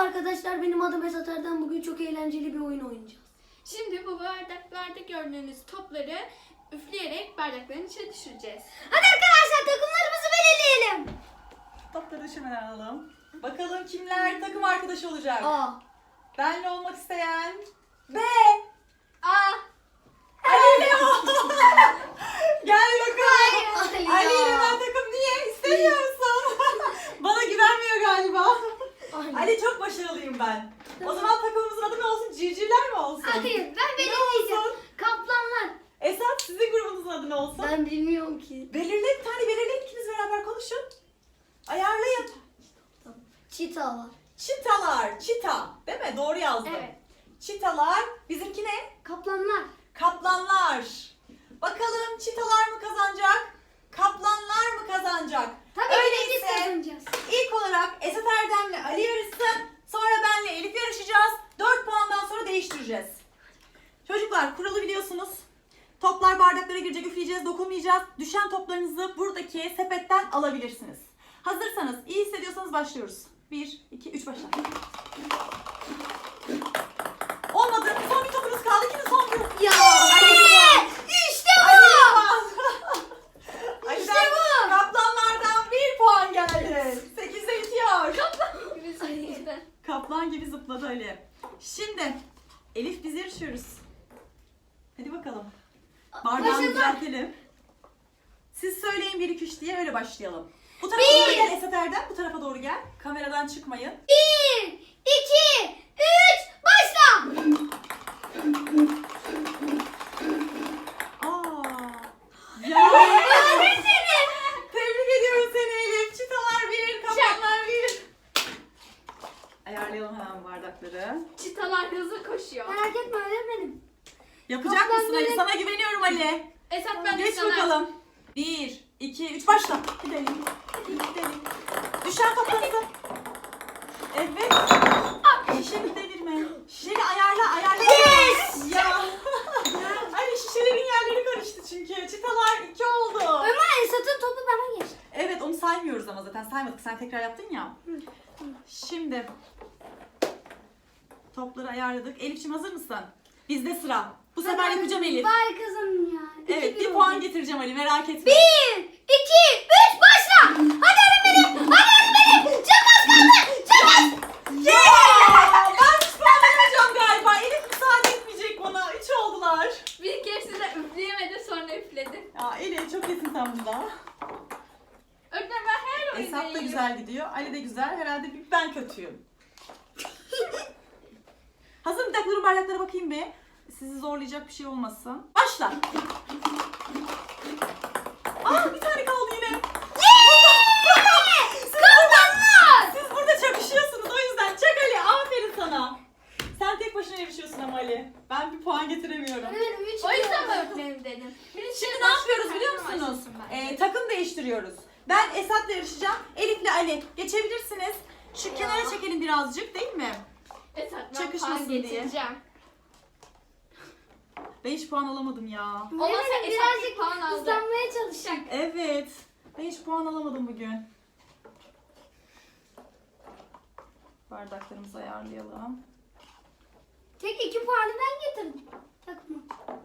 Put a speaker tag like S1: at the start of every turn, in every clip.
S1: arkadaşlar, benim adım Esat Erdem. Bugün çok eğlenceli bir oyun oynayacağız.
S2: Şimdi bu bardaklarda gördüğünüz topları üfleyerek bardakların içine düşüreceğiz.
S1: Hadi arkadaşlar, takımlarımızı belirleyelim.
S3: Topları düşürmeden alalım. Bakalım kimler takım arkadaşı olacak?
S1: A.
S3: Benle olmak isteyen B.
S2: Aa!
S3: Ali ile o. Gel bakalım.
S1: Ali
S3: Ali ile
S1: ya.
S3: ben takım niye? İstemiyor musun? Bana güvenmiyor galiba.
S1: Aynen.
S3: Ali çok başarılıyım ben. O zaman takımımızın adı ne olsun? Civcivler mi olsun?
S1: Hayır, ben
S3: Ne
S1: belirleyeceğim.
S3: olsun?
S1: Kaplanlar.
S3: Esat, sizin grubunuzun adı ne olsun?
S1: Ben bilmiyorum ki.
S3: Belirleyin, bir tane belirleyin, ikiniz beraber konuşun. Ayarlayın.
S1: Çitalar.
S3: Çitalar, çita. Değil mi? Doğru yazdım.
S2: Evet.
S3: Çitalar. Bizimki ne?
S1: Kaplanlar.
S3: Kaplanlar. Bakalım çitalar mı kazanacak? Kaplanlar mı kazanacak?
S1: Tabii ki de biz
S3: Öyleyse
S1: kazanacağız.
S3: ilk olarak Esat Erdem'le Ali yarışsın. Sonra benle Elif yarışacağız. 4 puandan sonra değiştireceğiz. Çocuklar, kuralı biliyorsunuz. Toplar bardaklara girecek, üfleyeceğiz, dokunmayacağız. Düşen toplarınızı buradaki sepetten alabilirsiniz. Hazırsanız, iyi hissediyorsanız başlıyoruz. 1, 2, 3 başla. Olmadı. Son bir topunuz kaldı. Kimin son bir?
S1: Ya.
S3: Ali!
S1: İşte bu.
S3: İşte
S1: bu.
S3: Kaplanlardan 1 puan geldi. 8'de bitiyor.
S2: Biz yüzden.
S3: Kaplan gibi zıpladı Ali. Şimdi Elif, biz yarışıyoruz. Hadi bakalım. Bardağını
S1: Başladım.
S3: düzeltelim. Siz söyleyin 1, 2, 3 diye, öyle başlayalım. Bu tarafa doğru gel Esat Erdem. Bu tarafa doğru gel. Kameradan çıkmayın.
S1: 1, 2, 3, başla.
S3: Ya. Tebrik ediyorum seni Elif. Çitalar 1, kaplanlar 1. Ayarlayalım hemen bardakları.
S2: Çitalar hızlı koşuyor.
S1: Merak etme öğretmenim.
S3: Yapacak
S1: Kaplan
S3: mısın Ali?
S1: böyle-
S3: Sana güveniyorum Ali.
S2: Esat, ben de
S3: Geç
S2: sana.
S3: bakalım. 1, 2, 3 başla. Gidelim. Gidelim. Düşen toplarınızı. Evet. Şişeni devirme. Şişeni ayarla.
S1: Yes!
S3: Ya. Ay, şişelerin yerleri karıştı çünkü. Çitalar 2 oldu.
S1: Ömer, Esat'ın topu bana geçti.
S3: Evet, onu saymıyoruz ama zaten saymadık. Sen tekrar yaptın ya. Şimdi topları ayarladık. Elif'ciğim, hazır mısın? Bizde sıra. Bu sefer yapacağım Elif.
S1: Bari kazanın ya.
S3: Evet, 1 puan getireceğim Ali, merak etme.
S1: 1, 2, 3, başla. Hadi öğretmenim. Hadi öğretmenim. Çok az kaldı. Çok az.
S3: Yeah! Ben hiç puan veremeyeceğim galiba. Elif müsaade etmeyecek bana. 3 oldular.
S2: Bir keresinde üfleyemedi, sonra üfledi.
S3: Ya Elif, çok iyisin sen bunda.
S2: Öğretmen, ben her oyunda
S3: Esat da
S2: iyiyim.
S3: güzel gidiyor. Ali de güzel. Herhalde bir ben kötüyüm. Hazır mı? Bir dakika, durun, bardaklara bakayım bir. Sizi zorlayacak bir şey olmasın. Başla. Aa, bir tane kaldı yine. Siz burada çakışıyorsunuz, o yüzden. Çak Ali, aferin sana. Sen tek başına yarışıyorsun ama Ali. Ben bir puan getiremiyorum.
S1: Öğretmenim 3
S2: O yüzden mi öğretmenim dedim.
S3: Şimdi ne yapıyoruz biliyor musunuz? Takım değiştiriyoruz. Ben Esat'la yarışacağım. Elif'le Ali. Geçebilirsiniz. Şu kenara çekelim birazcık, değil mi?
S2: Esat, ben
S3: Çakışmasın
S2: puan
S3: diye.
S2: getireceğim.
S3: Ben hiç puan alamadım ya.
S2: Olmazsa
S1: Öğretmenim
S2: Esat bir
S1: birazcık
S2: puan aldı.
S1: hızlanmaya çalışacak.
S3: Evet. Ben hiç puan alamadım bugün. Bardaklarımızı ayarlayalım.
S1: Tek 2 puanı ben getirdim. Takma.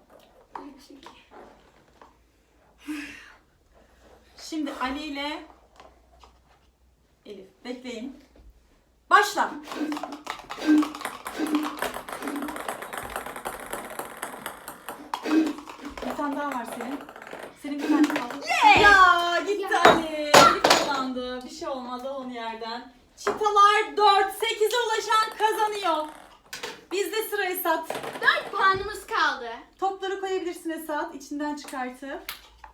S3: Şimdi Ali ile Elif. Bekleyin. Başla. Bir tane daha var senin. Senin bir tane kaldı. Ya gitti Ali. Elif kazandı. Bir şey olmaz, al onu yerden. Çitalar 4. 8'e ulaşan kazanıyor. Bizde sıra Esat.
S2: 4 puanımız kaldı.
S3: Topları koyabilirsin Esat, içinden çıkartıp.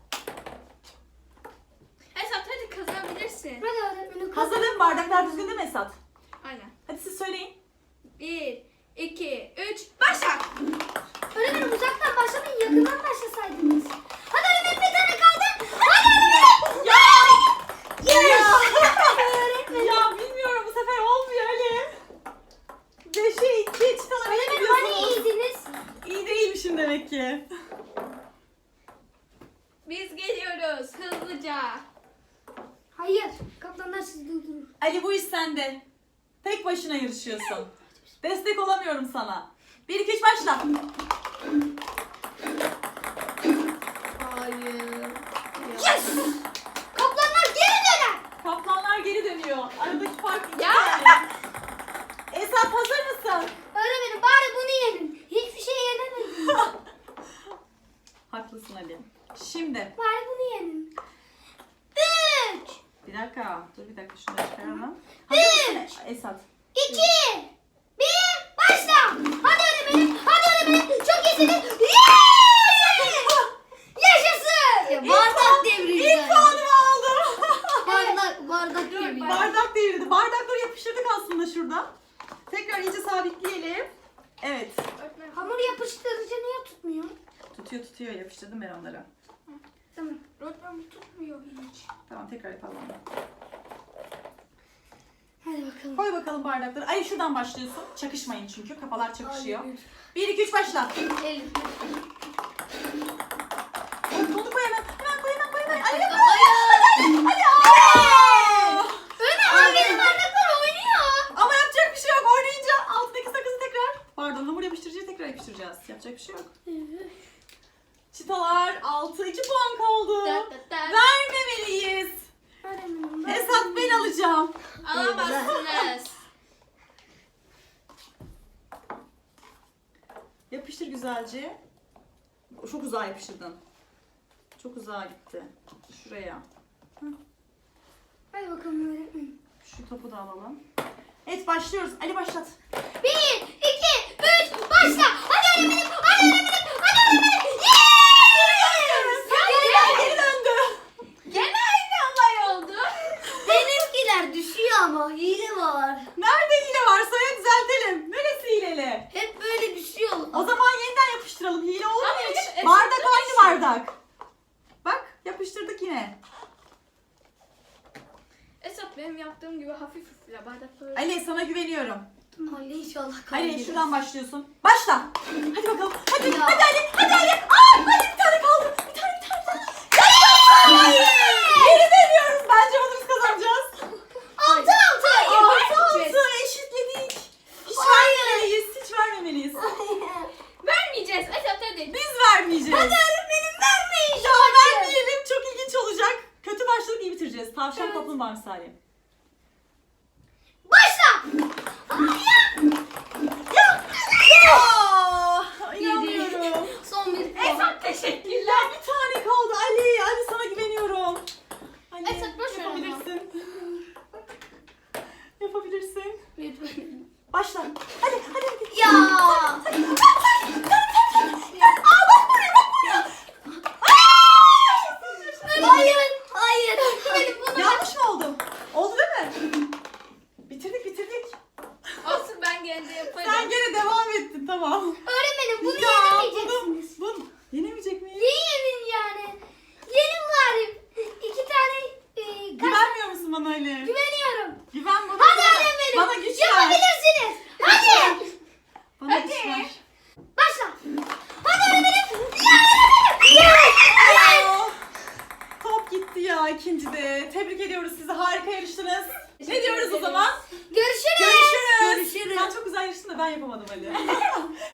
S2: Esat, hadi kazanabilirsin.
S1: Hadi öğretmenim.
S3: Hazırlayın mı? Bardaklar düzgün değil mi Esat?
S2: Aynen.
S3: Hadi siz söyleyin.
S2: 1, 2, 3, başla.
S1: Öğretmenim uzaktan başlamayın, yakından başlasaydınız. Hadi öğretmenim, bir tane kaldı. Hadi öğretmenim.
S3: Ya!
S1: Yes.
S3: Ya bilmiyorum, bu sefer olmuyor Ali. 5'e 2 çıtalara
S1: Öğretmenim hani
S3: gidiyorsunuz.
S1: iyiydiniz?
S3: İyi değilmişim demek ki.
S2: Biz geliyoruz hızlıca.
S1: Hayır. Kaplanlar sizi durdurur.
S3: Ali, bu iş sende. Tek başına yarışıyorsun. Destek olamıyorum sana. 1, 2, 3 başla.
S2: Hayır.
S1: Yes! Kaplanlar geri döner.
S3: Kaplanlar geri dönüyor. Aradaki fark 2
S2: Ya.
S3: tane. Esat hazır mısın?
S1: Öğretmenim bari bunu yenin. Hiçbir şey yenemedim.
S3: Haklısın Ali. Şimdi
S1: Bari bunu yenin. 3,
S3: bir dakika. Dur bir dakika şunu da çıkaralım. Hazır mısın Esat?
S1: 2, 1, başla. Hadi öğretmenim. Hadi öğretmenim. Çok iyisiniz. Yes! Yaşasın.
S4: Ya bardak devrildi.
S3: İlk puanımı aldım.
S4: Bardak devrildi.
S3: Bardak devrildi. Bardakları yapıştırdık aslında şurada. Tekrar iyice sabitleyelim. Evet.
S2: Öğretmenim.
S1: Hamur yapıştırıcı niye tutmuyor?
S3: Tutuyor. Yapıştırdım ben onları.
S1: Tamam.
S2: Öğretmenim tutmuyor hiç.
S3: Tamam tekrar yapalım.
S1: Hadi bakalım.
S3: Koy bakalım bardakları. Ay şuradan başlıyorsun. Çakışmayın çünkü. Kafalar çakışıyor. 1, 2, 3 başla.
S4: Elif.
S3: Onu koy hemen. Hemen koy hemen koy hemen. Ali yap.
S4: Ay,
S3: Hadi.
S1: Öğretmenim benim bardaklar oynuyor.
S3: Ama yapacak bir şey yok. Oynayınca altındaki sakızı tekrar. Pardon hamur yapıştırıcıyı tekrar yapıştıracağız. Yapacak bir şey yok. Çıtalar 6. 2 puan kaldı. Vermemeliyiz.
S1: Öğretmenim ben...
S3: Esat ben alacağım.
S2: Alamazsınız.
S3: Yapıştır güzelce. Çok uzağa yapıştırdın. Çok uzağa gitti. Şuraya.
S1: Hadi bakalım öğretmenim.
S3: Şu topu da alalım. Evet başlıyoruz. Ali başlat.
S1: 1, 2, 3, başla. Hadi öğretmenim. Hadi öğretmenim. Hadi öğretmenim. Yes!
S3: Geri döndü.
S2: Gene aynı olay oldu.
S4: benimkiler düşüyor ama hile var.
S3: Nerede hile varsa ya düzeltelim. Neresi hileli?
S4: Hep böyle düşüyor.
S3: O zaman yeniden yapıştıralım. Hile olur mu
S2: Ama
S3: hiç?
S2: Esat
S3: Bardak
S2: da
S3: aynı
S2: düşüyor.
S3: bardak. Bak yapıştırdık yine.
S2: Esat benim yaptığım gibi hafif üfle bardakları.
S3: Ali sana güveniyorum.
S4: Ali inşallah
S3: Ali
S4: kaybeder.
S3: şuradan başlıyorsun. Başla. Hadi bakalım. Hadi
S4: Ya.
S3: hadi Ali. Hadi Ali. Aa, hadi bir tane kaldı. Bir tane. Hayır. Geri dönüyoruz. Bence bunu biz kazanacağız.
S1: 6, 6.
S3: 6 eşitledik. Hiç vermemeliyiz. Hiç vermemeliyiz.
S2: Vermeyeceğiz Esat hadi.
S3: Biz vermeyeceğiz. Hadi
S1: Öğretmenim vermeyin.
S3: ya vermeyelim. Çok ilginç olacak. Kötü başladık iyi bitireceğiz. Tavşan kaplumbağa misali.
S1: Başla.
S3: Ya inanmıyorum.
S4: Son bir puan.
S2: Esat teşekkürler.
S3: Ya bir tane kaldı Ali. Ali sana güveniyorum. Ali,
S2: Esat, boş ver ama.
S3: yapabilirsin. Yapabilirsin.
S4: Lütfen.
S3: Başla. Hadi hadi.
S4: Ya. Hayır. Hayır. Hayır. Bunu
S3: Yanlış mı oldu? Oldu değil mi? Bitirdik.
S2: Olsun ben gene de yaparım.
S3: Sen gene devam ettin tamam.
S1: Öğretmenim bunu
S3: Ya,
S1: yenemeyeceksiniz.
S3: bunu yenemeyecek miyiz?
S1: Yenin yani. Yenin bari. 2 tane
S3: Güvenmiyor musun bana Ali?
S1: güven